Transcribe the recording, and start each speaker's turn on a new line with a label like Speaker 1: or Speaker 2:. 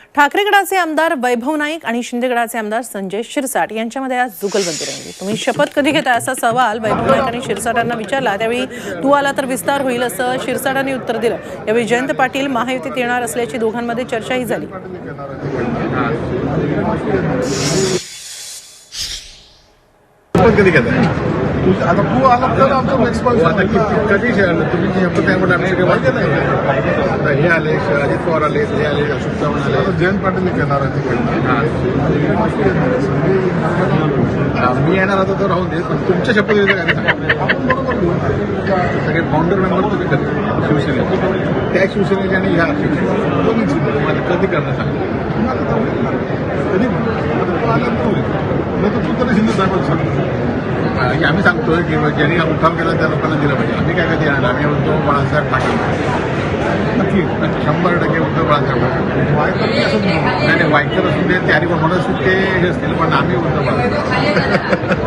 Speaker 1: ठाकरे गटाचे आमदार वैभव नाईक आणि शिंदे गटाचे आमदार संजय शिरसाट यांच्यामध्ये आज जुगलबंदी रंगली। तुम्ही शपथ कधी घेता असा सवाल वैभव नाईक आणि शिरसाट यांना विचारला, त्यावेळी तू आला तर विस्तार होईल असं शिरसाटांनी उत्तर दिलं। यावेळी जयंत पाटील महायुतीत येणार असल्याची दोघांमध्ये चर्चाही झाली।
Speaker 2: आता तू आला तर आमचं रिस्पॉन्स आता कधी तुम्ही शपथ त्यामुळे आम्ही सगळे माहिती नाही आता हे आले अजित पवार आले हे आले अशोक चव्हाण आले जयंत पाटील येणार आहे मी येणार होतो तर राहून दे पण तुमच्या शपथविधी काय सगळे फाउंडर मेंबर तुम्ही कधी शिवसेनेचे त्या शिवसेनेचे आणि ह्या शिवसेनेचे कधी करणं सांगितलं कधी आला तू तरी शिंदे साहेबांना सांगतो आम्ही सांगतोय की ज्यांनी उठाव केला त्या लोकांना दिलं पाहिजे। आम्ही काय कधी येणार आम्ही उद्धव बाळासाहेब ठाकरे नक्की 100% उद्धव बाळासाहेब नाही वायकर असून ते तयारी पण म्हणत ते हे असतील पण आम्ही उद्धव बाळासाहेब